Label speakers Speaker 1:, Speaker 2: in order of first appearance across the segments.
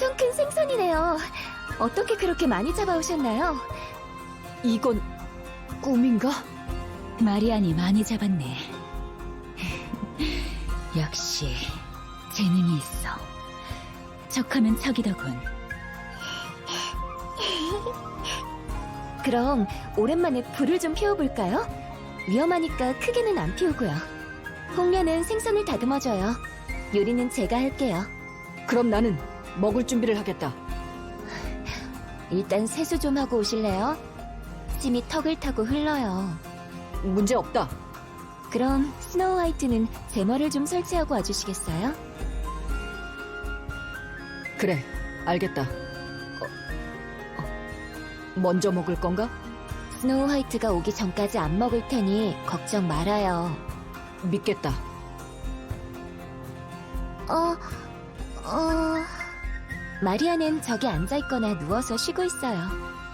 Speaker 1: 엄청 큰 생선이네요. 어떻게 그렇게 많이 잡아오셨나요?
Speaker 2: 이건 꿈인가?
Speaker 3: 마리안이 많이 잡았네. 역시 재능이 있어. 척하면 척이더군.
Speaker 1: 그럼 오랜만에 불을 좀 피워볼까요? 위험하니까 크게는 안 피우고요. 홍련은 생선을 다듬어줘요. 요리는 제가 할게요.
Speaker 2: 그럼 나는 먹을 준비를 하겠다.
Speaker 1: 일단 세수 좀 하고 오실래요? 침이 턱을 타고 흘러요.
Speaker 2: 문제 없다.
Speaker 1: 그럼 스노우 화이트는 제머를 좀 설치하고 와주시겠어요?
Speaker 2: 그래, 알겠다. 먼저 먹을 건가?
Speaker 1: 스노우 화이트가 오기 전까지 안 먹을 테니 걱정 말아요.
Speaker 2: 믿겠다.
Speaker 1: 마리아는 저기 앉아있거나 누워서 쉬고 있어요.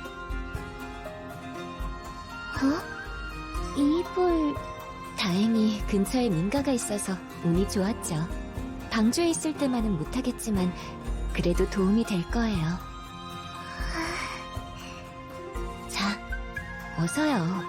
Speaker 1: 이불... 다행히 근처에 민가가 있어서 운이 좋았죠. 방주에 있을 때만은 못하겠지만 그래도 도움이 될 거예요. 자, 어서요.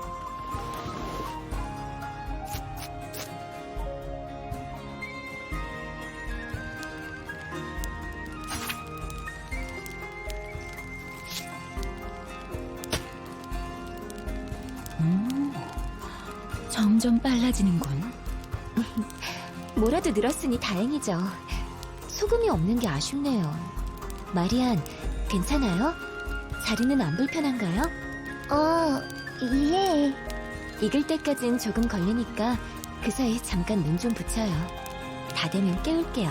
Speaker 3: 점점 빨라지는군.
Speaker 1: 뭐라도 늘었으니 다행이죠. 소금이 없는 게 아쉽네요. 마리안, 괜찮아요? 자리는 안 불편한가요? 예. 익을 때까진 조금 걸리니까 그 사이 잠깐 눈 좀 붙여요. 다 되면 깨울게요.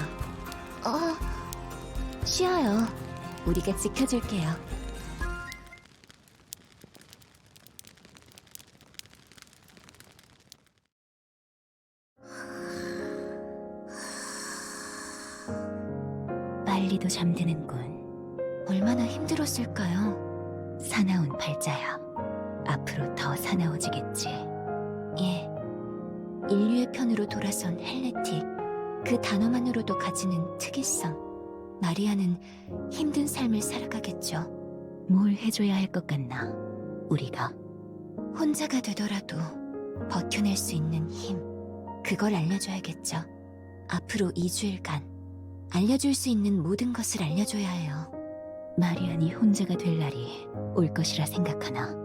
Speaker 1: 쉬어요. 우리가 지켜줄게요.
Speaker 3: 빨리도 잠드는군.
Speaker 1: 얼마나 힘들었을까요?
Speaker 3: 사나운 발자야. 앞으로 더 사나워지겠지.
Speaker 1: 예. 인류의 편으로 돌아선 헬레틱. 그 단어만으로도 가지는 특이성. 마리아는 힘든 삶을 살아가겠죠.
Speaker 3: 뭘 해줘야 할 것 같나? 우리가
Speaker 1: 혼자가 되더라도 버텨낼 수 있는 힘. 그걸 알려줘야겠죠. 앞으로 2주일간 알려줄 수 있는 모든 것을 알려줘야 해요.
Speaker 3: 마리안이 혼자가 될 날이 올 것이라 생각하나?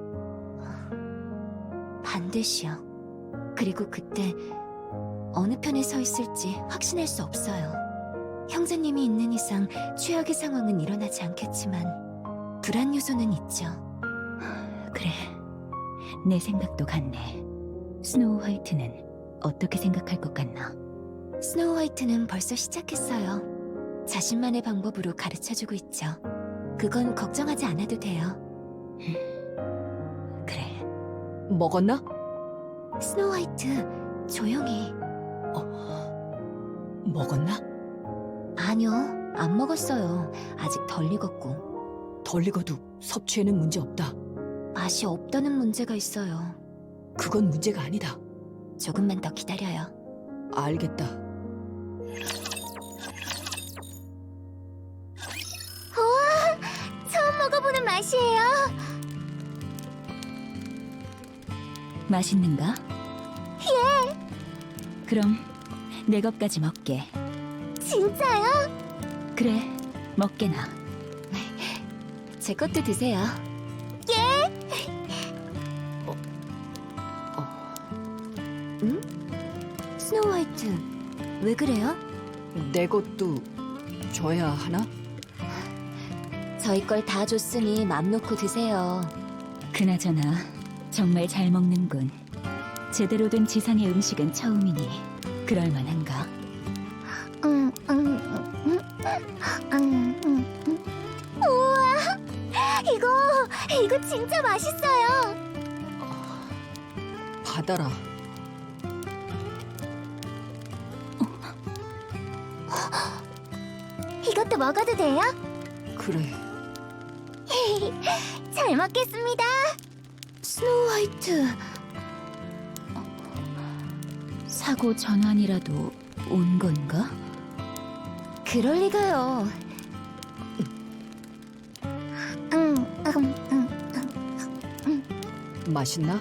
Speaker 1: 반드시요. 그리고 그때 어느 편에 서 있을지 확신할 수 없어요. 형제님이 있는 이상 최악의 상황은 일어나지 않겠지만 불안 요소는 있죠.
Speaker 3: 그래, 내 생각도 같네. 스노우 화이트는 어떻게 생각할 것 같나?
Speaker 1: 스노우 화이트는 벌써 시작했어요. 자신만의 방법으로 가르쳐주고 있죠. 그건 걱정하지 않아도 돼요.
Speaker 3: 그래,
Speaker 2: 먹었나?
Speaker 1: 스노우 화이트, 조용히.
Speaker 2: 먹었나?
Speaker 1: 아니요, 안 먹었어요. 아직 덜 익었고.
Speaker 2: 덜 익어도 섭취에는 문제 없다.
Speaker 1: 맛이 없다는 문제가 있어요.
Speaker 2: 그건 문제가 아니다.
Speaker 1: 조금만 더 기다려요.
Speaker 2: 알겠다.
Speaker 1: 우와! 처음 먹어보는 맛이에요.
Speaker 3: 맛있는가? 예. 그럼 내 것까지 먹게.
Speaker 1: 진짜요?
Speaker 3: 그래, 먹게나.
Speaker 1: 제 것도 드세요. 응? 스노우 화이트, 왜 그래요?
Speaker 2: 내 것도 줘야 하나?
Speaker 1: 저희 걸 다 줬으니 맘 놓고 드세요.
Speaker 3: 그나저나 정말 잘 먹는군. 제대로 된 지상의 음식은 처음이니 그럴 만한가?
Speaker 1: 우와! 이거 진짜 맛있어요.
Speaker 2: 받아라.
Speaker 1: 이것도 먹어도 돼요?
Speaker 2: 그래.
Speaker 1: 잘 먹겠습니다. 스노우 화이트.
Speaker 3: 사고 전환이라도 온 건가?
Speaker 1: 그럴 리가요.
Speaker 2: 맛있나?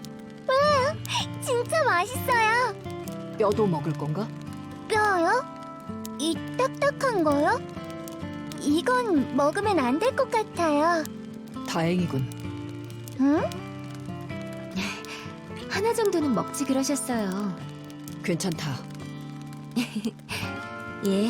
Speaker 4: 진짜 맛있어요.
Speaker 2: 뼈도 먹을 건가?
Speaker 4: 뼈요? 이 딱딱한 거요? 이건 먹으면 안 될 것 같아요.
Speaker 2: 다행이군.
Speaker 4: 응?
Speaker 1: 하나 정도는 먹지 그러셨어요.
Speaker 2: 괜찮다.
Speaker 1: 예.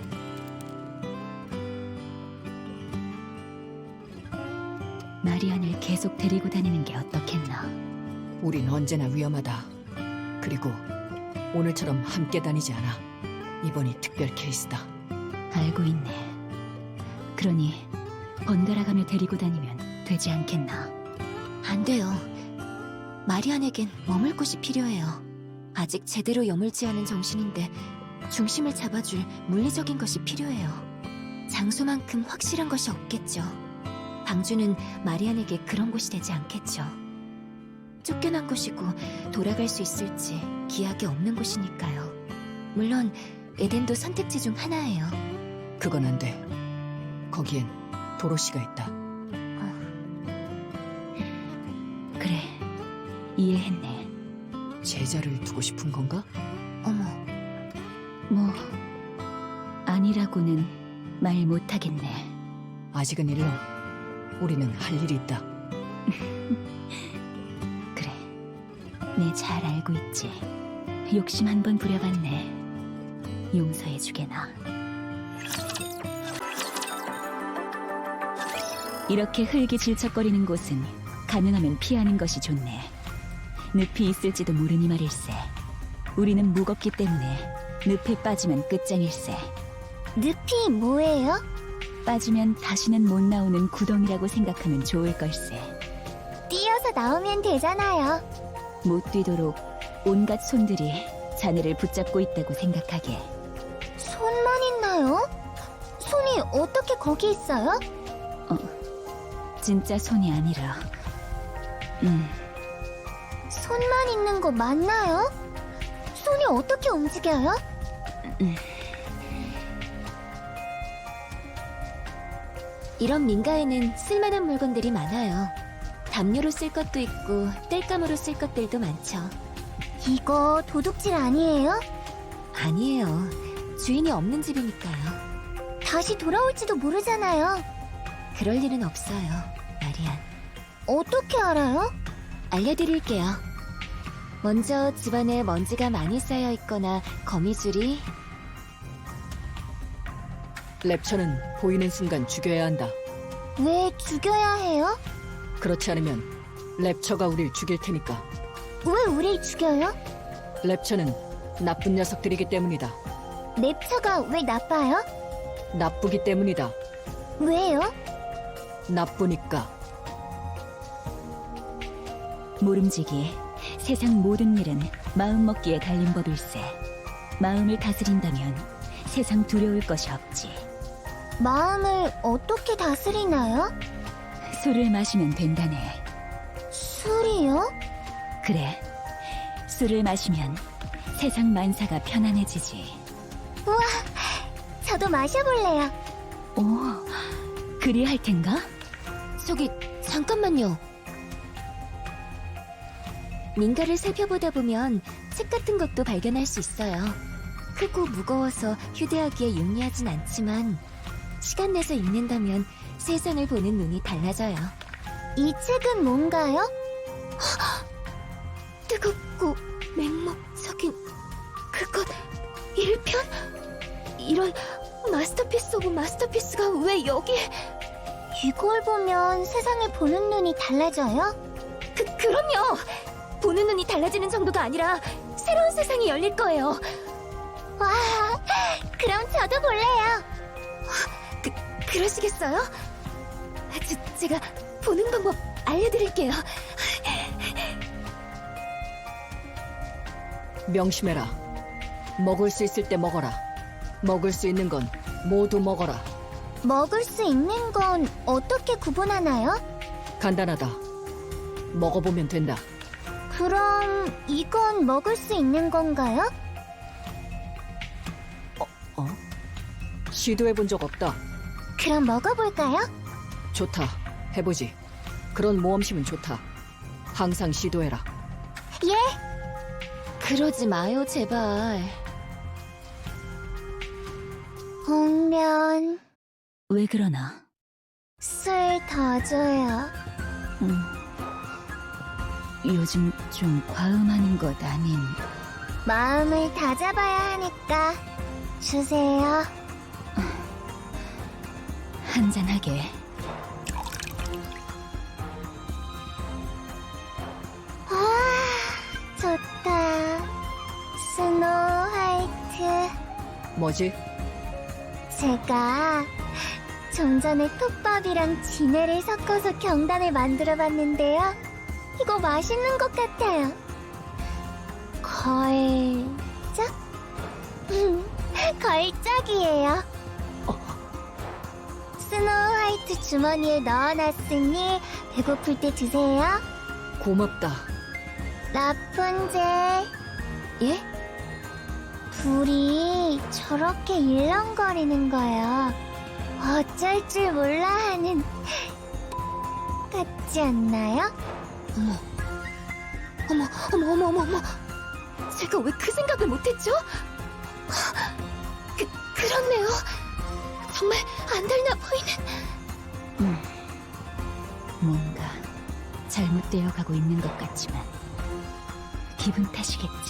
Speaker 3: 마리안을 계속 데리고 다니는 게 어떻겠나.
Speaker 2: 우린 언제나 위험하다. 그리고 오늘처럼 함께 다니지 않아. 이번이 특별 케이스다.
Speaker 3: 알고 있네. 그러니 번갈아가며 데리고 다니면 되지 않겠나.
Speaker 1: 안 돼요. 마리안에겐 머물 곳이 필요해요. 아직 제대로 여물지 않은 정신인데 중심을 잡아줄 물리적인 것이 필요해요. 장소만큼 확실한 것이 없겠죠. 방주는 마리안에게 그런 곳이 되지 않겠죠. 쫓겨난 곳이고 돌아갈 수 있을지 기약이 없는 곳이니까요. 물론 에덴도 선택지 중 하나예요.
Speaker 2: 그건 안 돼. 거기엔 도로시가 있다.
Speaker 3: 그래, 이해했네.
Speaker 2: 제자를 두고 싶은 건가?
Speaker 1: 어머,
Speaker 3: 뭐 아니라고는 말 못하겠네.
Speaker 2: 아직은 일러. 우리는 할 일이 있다.
Speaker 3: 그래, 내 잘 알고 있지. 욕심 한 번 부려봤네. 용서해주게나. 이렇게 흙이 질척거리는 곳은 가능하면 피하는 것이 좋네. 늪이 있을지도 모르니 말일세. 우리는 무겁기 때문에 늪에 빠지면 끝장일세.
Speaker 4: 늪이 뭐예요?
Speaker 3: 빠지면 다시는 못 나오는 구덩이라고 생각하면 좋을 걸세.
Speaker 4: 뛰어서 나오면 되잖아요.
Speaker 3: 못 뛰도록 온갖 손들이 자네를 붙잡고 있다고 생각하게.
Speaker 4: 손만 있나요? 손이 어떻게 거기 있어요?
Speaker 3: 진짜 손이 아니라
Speaker 4: 손만 있는 거 맞나요? 손이 어떻게 움직여요?
Speaker 1: 이런 민가에는 쓸만한 물건들이 많아요. 담요로 쓸 것도 있고 땔감으로 쓸 것들도 많죠.
Speaker 4: 이거 도둑질 아니에요?
Speaker 1: 아니에요. 주인이 없는 집이니까요.
Speaker 4: 다시 돌아올지도 모르잖아요.
Speaker 1: 그럴 일은 없어요, 마리안.
Speaker 4: 어떻게 알아요?
Speaker 1: 알려드릴게요. 먼저 집안에 먼지가 많이 쌓여 있거나 거미줄이
Speaker 2: 랩처는 보이는 순간 죽여야 한다.
Speaker 4: 왜 죽여야 해요?
Speaker 2: 그렇지 않으면 랩처가 우릴 죽일 테니까.
Speaker 4: 왜 우릴 죽여요?
Speaker 2: 랩처는 나쁜 녀석들이기 때문이다.
Speaker 4: 랩처가 왜 나빠요?
Speaker 2: 나쁘기 때문이다.
Speaker 4: 왜요?
Speaker 2: 나쁘니까.
Speaker 3: 모름지기. 세상 모든 일은 마음먹기에 달린 법일세. 마음을 다스린다면 세상 두려울 것이 없지.
Speaker 4: 마음을 어떻게 다스리나요?
Speaker 3: 술을 마시면 된다네.
Speaker 4: 술이요?
Speaker 3: 그래. 술을 마시면 세상 만사가 편안해지지.
Speaker 4: 저도 마셔볼래요.
Speaker 3: 오, 그리 할 텐가?
Speaker 1: 저기 잠깐만요. 민가를 살펴보다 보면 책 같은 것도 발견할 수 있어요. 크고 무거워서 휴대하기에 용이하진 않지만 시간 내서 읽는다면 세상을 보는 눈이 달라져요.
Speaker 4: 이 책은 뭔가요?
Speaker 1: 뜨겁고 맹목적인 그것 1편? 이런 마스터피스 오브 마스터피스가 왜 여기에?
Speaker 4: 이걸 보면 세상을 보는 눈이 달라져요?
Speaker 1: 그럼요! 보는 눈이 달라지는 정도가 아니라 새로운 세상이 열릴 거예요.
Speaker 4: 와, 그럼 저도 볼래요.
Speaker 1: 그러시겠어요? 제가 보는 방법 알려드릴게요.
Speaker 2: 명심해라. 먹을 수 있을 때 먹어라. 먹을 수 있는 건 모두 먹어라.
Speaker 4: 먹을 수 있는 건 어떻게 구분하나요?
Speaker 2: 간단하다. 먹어보면 된다.
Speaker 4: 그럼 이건 먹을 수 있는 건가요?
Speaker 2: 시도해본 적 없다.
Speaker 4: 그럼 먹어볼까요?
Speaker 2: 좋다. 해보지. 그런 모험심은 좋다. 항상 시도해라.
Speaker 4: 예?
Speaker 1: 그러지 마요, 제발.
Speaker 4: 복면
Speaker 3: 왜 그러나?
Speaker 4: 술 더 줘요.
Speaker 3: 요즘 좀 과음하는 것 아닌.
Speaker 4: 마음을 다잡아야 하니까 주세요.
Speaker 3: 한잔하게.
Speaker 4: 좋다. 스노우 화이트.
Speaker 2: 뭐지?
Speaker 4: 제가 좀 전에 톱밥이랑 진해를 섞어서 경단을 만들어봤는데요. 이거 맛있는 것 같아요. 걸작? 걸작이에요. 스노우 화이트 주머니에 넣어놨으니 배고플 때 드세요.
Speaker 2: 고맙다.
Speaker 4: 라푼젤. 예? 불이 저렇게 일렁거리는 거요. 어쩔 줄 몰라 하는 같지 않나요?
Speaker 1: 어머. 제가 왜 그 생각을 못했죠? 그렇네요. 정말 안 달나 보이는.
Speaker 3: 뭔가 잘못되어 가고 있는 것 같지만 기분 탓이겠지.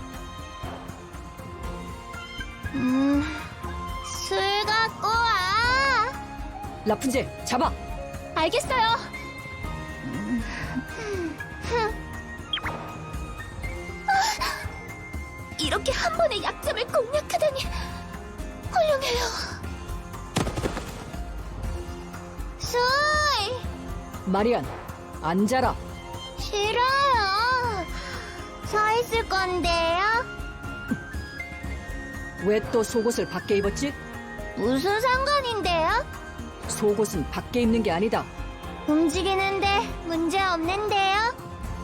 Speaker 4: 술 갖고 와.
Speaker 2: 라푼젤, 잡아!
Speaker 1: 알겠어요. 이렇게 한 번에 약점을 공략하다니 훌륭해요.
Speaker 4: 술
Speaker 2: 마리안, 앉아라.
Speaker 4: 싫어요. 서 있을 건데요.
Speaker 2: 왜 또 속옷을 밖에 입었지?
Speaker 4: 무슨 상관인데요?
Speaker 2: 속옷은 밖에 입는 게 아니다.
Speaker 4: 움직이는데 문제 없는데요?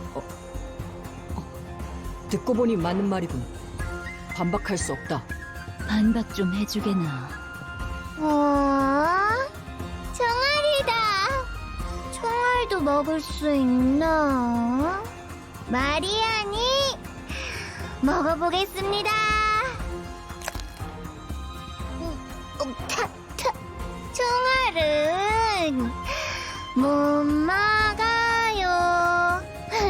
Speaker 2: 듣고 보니 맞는 말이군. 반박할 수 없다.
Speaker 3: 반박 좀 해주게나.
Speaker 4: 총알이다. 총알도 먹을 수 있나? 마리안이 먹어보겠습니다. 총알은 못 막아요.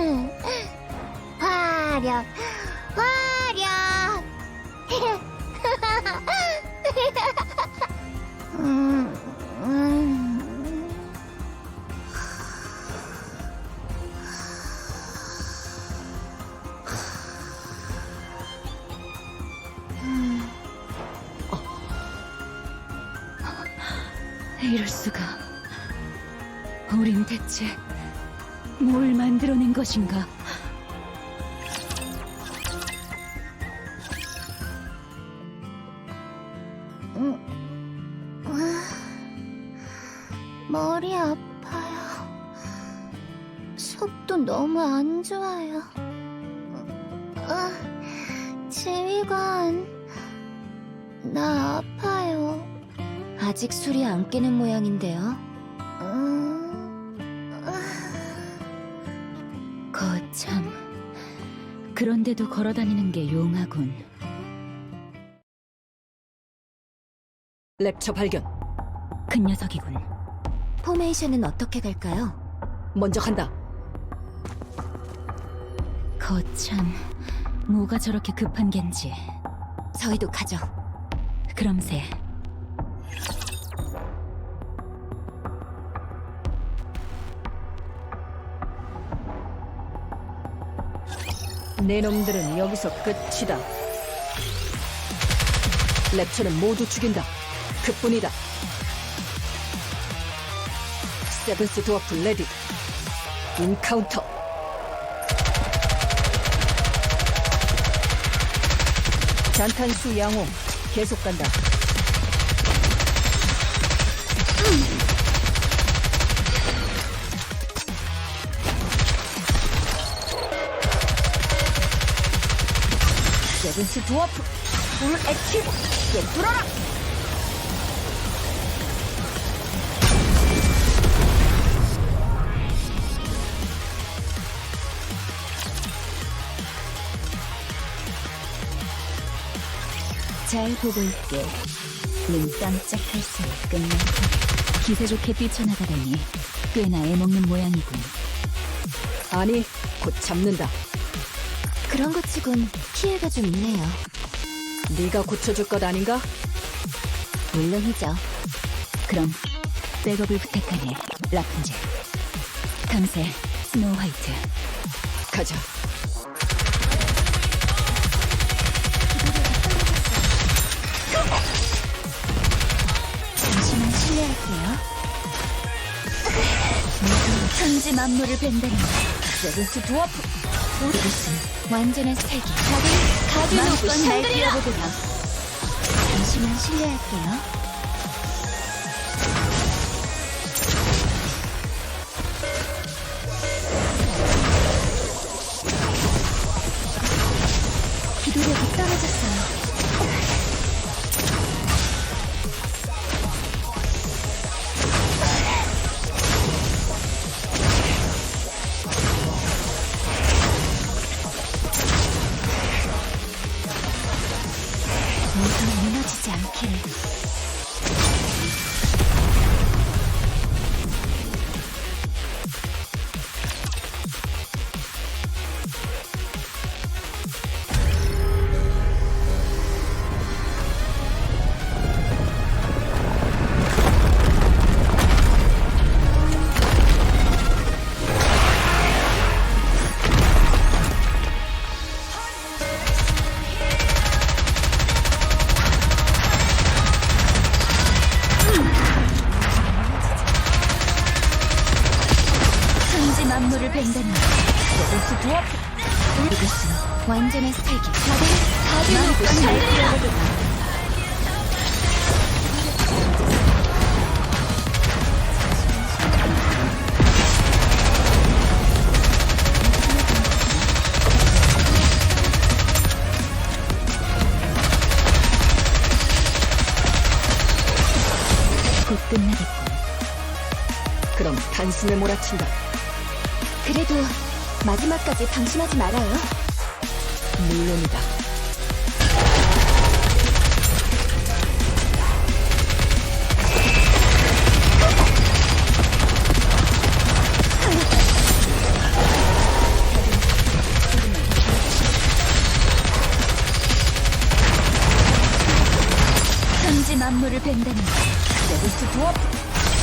Speaker 4: 화력.
Speaker 3: 이럴 수가. 우린 대체 뭘 만들어낸 것인가?
Speaker 4: 머리 아파요. 속도 너무 안 좋아요. 지휘관, 나 아파요.
Speaker 1: 아직 술이 안 깨는 모양인데요.
Speaker 3: 거참. 그런데도 걸어다니는 게 용하군.
Speaker 2: 랩처 발견.
Speaker 3: 큰 녀석이군.
Speaker 1: 포메이션은 어떻게 갈까요?
Speaker 2: 먼저 간다.
Speaker 3: 거참. 뭐가 저렇게 급한 겐지.
Speaker 1: 저희도 가죠.
Speaker 3: 그럼세.
Speaker 2: 내 놈들은 여기서 끝이다. 랩처는 모두 죽인다. 그뿐이다. 세븐스 드워프 레디. 인카운터. 잔탄수 양호. 계속 간다. 세븐스 드워프 풀 액티브. 꿰뚫어라.
Speaker 3: 잘 보고 있게. 눈 깜짝할 사이 끝날 테니. 기세 좋게 뛰쳐나가다니 꽤나 애먹는 모양이군.
Speaker 2: 아니, 곧 잡는다.
Speaker 1: 그런 것 치곤 피해가 좀 있네요.
Speaker 2: 네가 고쳐줄 것 아닌가?
Speaker 1: 물론이죠.
Speaker 3: 그럼 백업을 부탁하네, 라푼젤. 감세, 스노우 화이트.
Speaker 2: 가자.
Speaker 1: 잠시만 실례할게요.
Speaker 3: 천지 만물을 벤다니. 세븐스 드워프.
Speaker 1: 이것은 완전한 스택이.
Speaker 3: 마음껏 날 뛰어보거라.
Speaker 1: 잠시만 실례할게요. 기도력이 떨어졌어요. 모두 무너지지 않기를.
Speaker 3: 천지 만물을 벤다니. 세븐스 드워프.
Speaker 1: 이것은 완전한 스택이.
Speaker 3: 마음껏 날 뛰어보거라. 곧 끝나겠군.
Speaker 2: 그럼 단숨에 몰아친다.
Speaker 1: 그래도 마지막까지 방심하지 말아요.
Speaker 2: 물론이다.
Speaker 3: 천지 만물을 벤다니. 세븐스 드워프.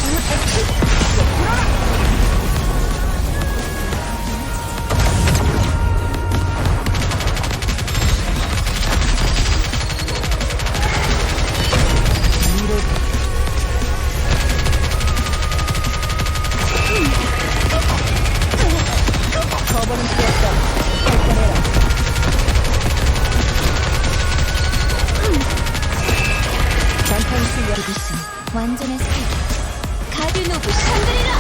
Speaker 2: 저번은 필요없다. 발전해라.
Speaker 1: 난탄 실력. 이것은 완전한 스택이. 가디노브 샹그리라.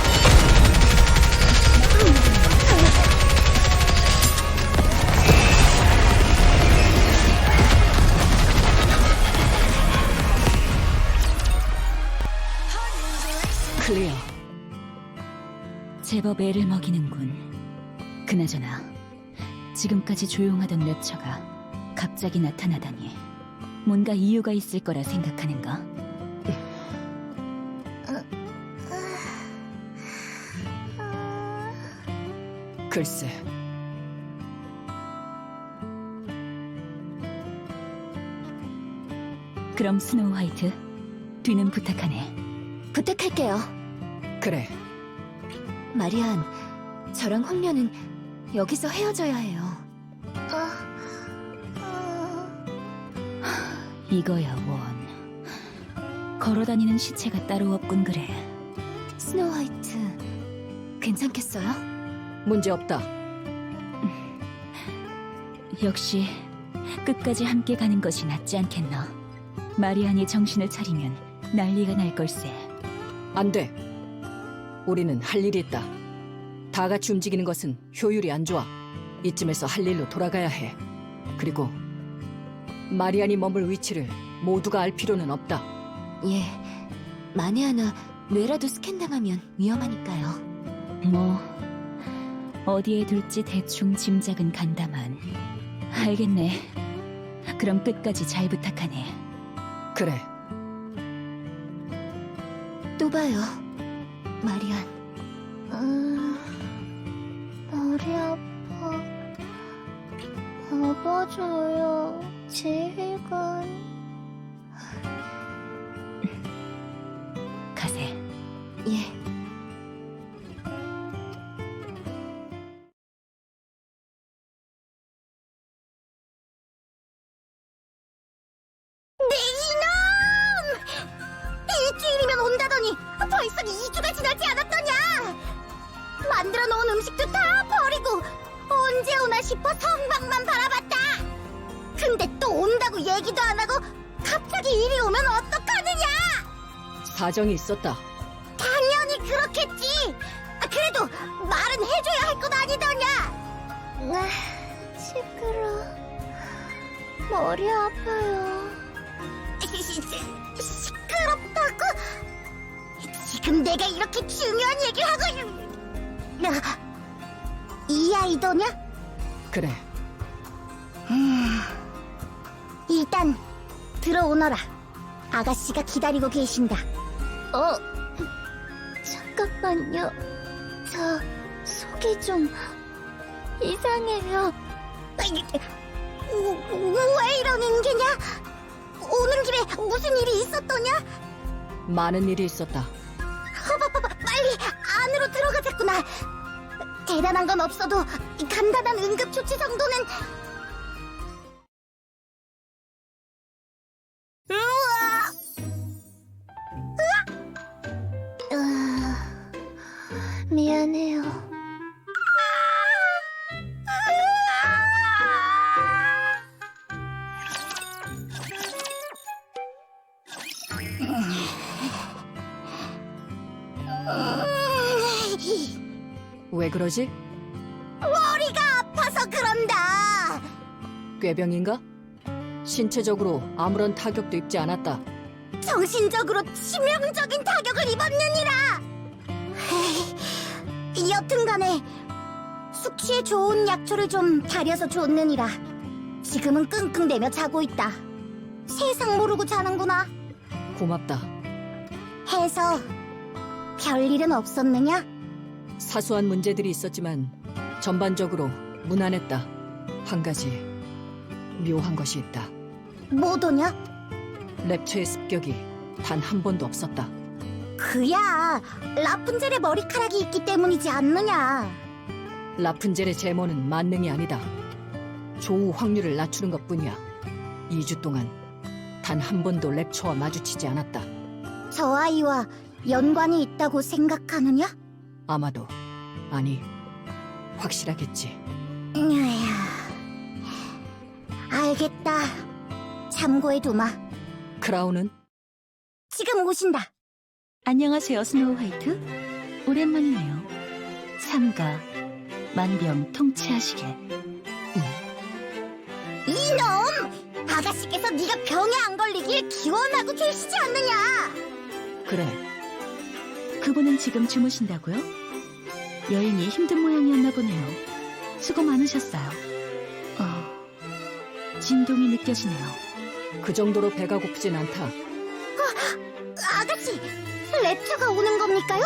Speaker 2: 클리어.
Speaker 3: 제법 애를 먹이는군. 그나저나 지금까지 조용하던 랩처가 갑자기 나타나다니 뭔가 이유가 있을 거라 생각하는가?
Speaker 2: 글쎄,
Speaker 3: 그럼 스노우 화이트, 뒤는 부탁하네.
Speaker 1: 부탁할게요.
Speaker 2: 그래.
Speaker 1: 마리안, 저랑 홍련은 여기서 헤어져야 해요.
Speaker 3: 이거야 원. 걸어다니는 시체가 따로 없군 그래.
Speaker 1: 스노우 화이트, 괜찮겠어요?
Speaker 2: 문제 없다.
Speaker 3: 역시 끝까지 함께 가는 것이 낫지 않겠나. 마리안이 정신을 차리면 난리가 날 걸세.
Speaker 2: 안 돼. 우리는 할 일이 있다. 다 같이 움직이는 것은 효율이 안 좋아. 이쯤에서 할 일로 돌아가야 해. 그리고 마리안이 머물 위치를 모두가 알 필요는 없다.
Speaker 1: 예, 만에 하나 뇌라도 스캔당하면 위험하니까요.
Speaker 3: 뭐 어디에 둘지 대충 짐작은 간다만. 알겠네. 그럼 끝까지 잘 부탁하네.
Speaker 2: 그래.
Speaker 1: 또 봐요, 마리안.
Speaker 4: 머리 아파. 업어줘요, 지휘관.
Speaker 3: 가세.
Speaker 1: 예.
Speaker 4: 일주일이면 온다더니 벌써 2주가 지나지 않았더냐? 만들어 놓은 음식도 다 버리고 언제 오나 싶어 성방만 바라봤다. 근데 또 온다고 얘기도 안 하고 갑자기 이리 오면 어떡하느냐?
Speaker 2: 사정이 있었다.
Speaker 4: 당연히 그렇겠지. 그래도 말은 해줘야 할 것 아니더냐? 시끄러. 머리 아파요. 시끄럽다고? 지금 내가 이렇게 중요한 얘기를 하고 이 아이더냐?
Speaker 2: 그래.
Speaker 4: 일단 들어오너라. 아가씨가 기다리고 계신다. 잠깐만요. 저 속이 좀 이상해요. 왜 이러는 게냐? 오는 길에 무슨 일이 있었더냐?
Speaker 2: 많은 일이 있었다.
Speaker 4: 빨리 안으로 들어가자꾸나. 대단한 건 없어도 간단한 응급조치 정도는. 미안해요.
Speaker 2: 왜 그러지?
Speaker 4: 머리가 아파서 그런다.
Speaker 2: 꾀병인가? 신체적으로 아무런 타격도 입지 않았다.
Speaker 4: 정신적으로 치명적인 타격을 입었느니라. 여튼간에 숙취에 좋은 약초를 좀 다려서 줬느니라. 지금은 끙끙대며 자고 있다. 세상 모르고 자는구나.
Speaker 2: 고맙다.
Speaker 4: 해서 별일은 없었느냐?
Speaker 2: 사소한 문제들이 있었지만 전반적으로 무난했다. 한 가지 묘한 것이 있다.
Speaker 4: 뭐더냐?
Speaker 2: 랩처의 습격이 단 한 번도 없었다.
Speaker 4: 그야 라푼젤의 머리카락이 있기 때문이지 않느냐.
Speaker 2: 라푼젤의 제모는 만능이 아니다. 조우 확률을 낮추는 것뿐이야. 2주 동안 단 한 번도 랩처와 마주치지 않았다.
Speaker 4: 저 아이와 연관이 있다고 생각하느냐?
Speaker 2: 아마도 아니 확실하겠지.
Speaker 4: 알겠다. 참고해두마.
Speaker 2: 크라운은?
Speaker 4: 지금 오신다.
Speaker 3: 안녕하세요, 스노우 화이트. 오랜만이네요. 삼가 만병 통치하시게.
Speaker 4: 이놈! 아가씨께서 네가 병에 안 걸리길 기원하고 계시지 않느냐?
Speaker 2: 그래.
Speaker 3: 그분은 지금 주무신다고요? 여행이 힘든 모양이었나 보네요. 수고 많으셨어요. 진동이 느껴지네요.
Speaker 2: 그 정도로 배가 고프진 않다.
Speaker 4: 아가씨, 랩처가 오는 겁니까요?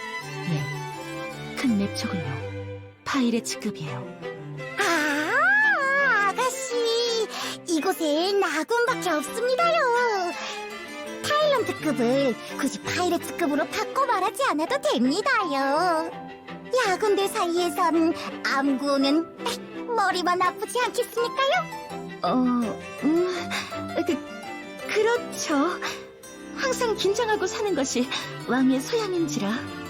Speaker 3: 네, 큰 랩초군요. 파이레츠급이에요.
Speaker 4: 아가씨, 이곳엔 아군밖에 없습니다요. 타일런트급을 굳이 파이레츠급으로 바꿔 말하지 않아도 됩니다요. 야군들 사이에선 암구는 머리만 아프지 않겠습니까요?
Speaker 3: 그렇죠. 항상 긴장하고 사는 것이 왕의 소양인지라.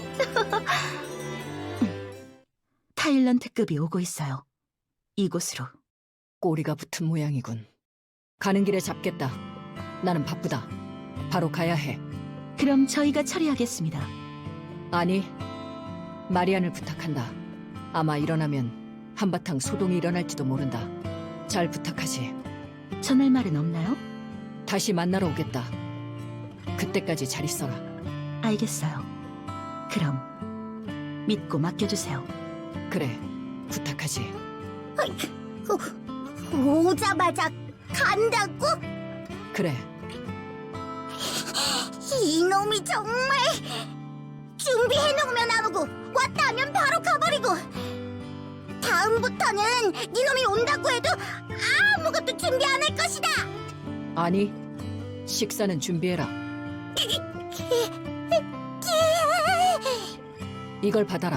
Speaker 3: 타일런트급이 오고 있어요. 이곳으로.
Speaker 2: 꼬리가 붙은 모양이군. 가는 길에 잡겠다. 나는 바쁘다. 바로 가야 해.
Speaker 3: 그럼 저희가 처리하겠습니다.
Speaker 2: 아니, 마리안을 부탁한다. 아마 일어나면 한바탕 소동이 일어날지도 모른다. 잘 부탁하지.
Speaker 3: 전할 말은 없나요?
Speaker 2: 다시 만나러 오겠다. 그때까지 잘 있어라.
Speaker 3: 알겠어요. 그럼 믿고 맡겨주세요.
Speaker 2: 그래, 부탁하지.
Speaker 4: 오자마자 간다고?
Speaker 2: 그래,
Speaker 4: 이놈이 정말 준비해놓으면 안 오고 왔다 하면 바로 가버리고 다음부터는 니놈이 온다고 해도 아무것도 준비 안 할 것이다.
Speaker 2: 아니, 식사는 준비해라. 이걸 받아라.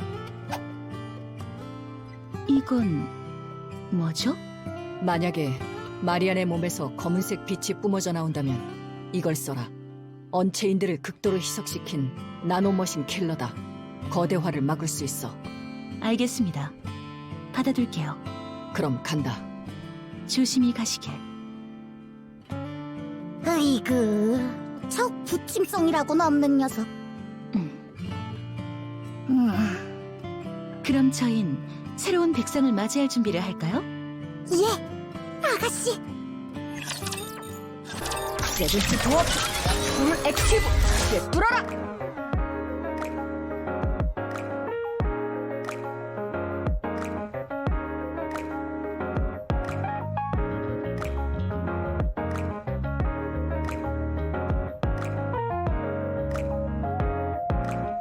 Speaker 3: 이건 뭐죠?
Speaker 2: 만약에 마리안의 몸에서 검은색 빛이 뿜어져 나온다면 이걸 써라. 언체인들을 극도로 희석시킨 나노머신 킬러다. 거대화를 막을 수 있어.
Speaker 3: 알겠습니다. 받아둘게요.
Speaker 2: 그럼 간다.
Speaker 3: 조심히 가시길.
Speaker 4: 으이그, 저 부침성이라고는 없는 녀석.
Speaker 3: 그럼 저흰 새로운 백성을 맞이할 준비를 할까요?
Speaker 4: 예, 아가씨.
Speaker 2: 세븐스 도어 풀 액티브 꿰뚫어라.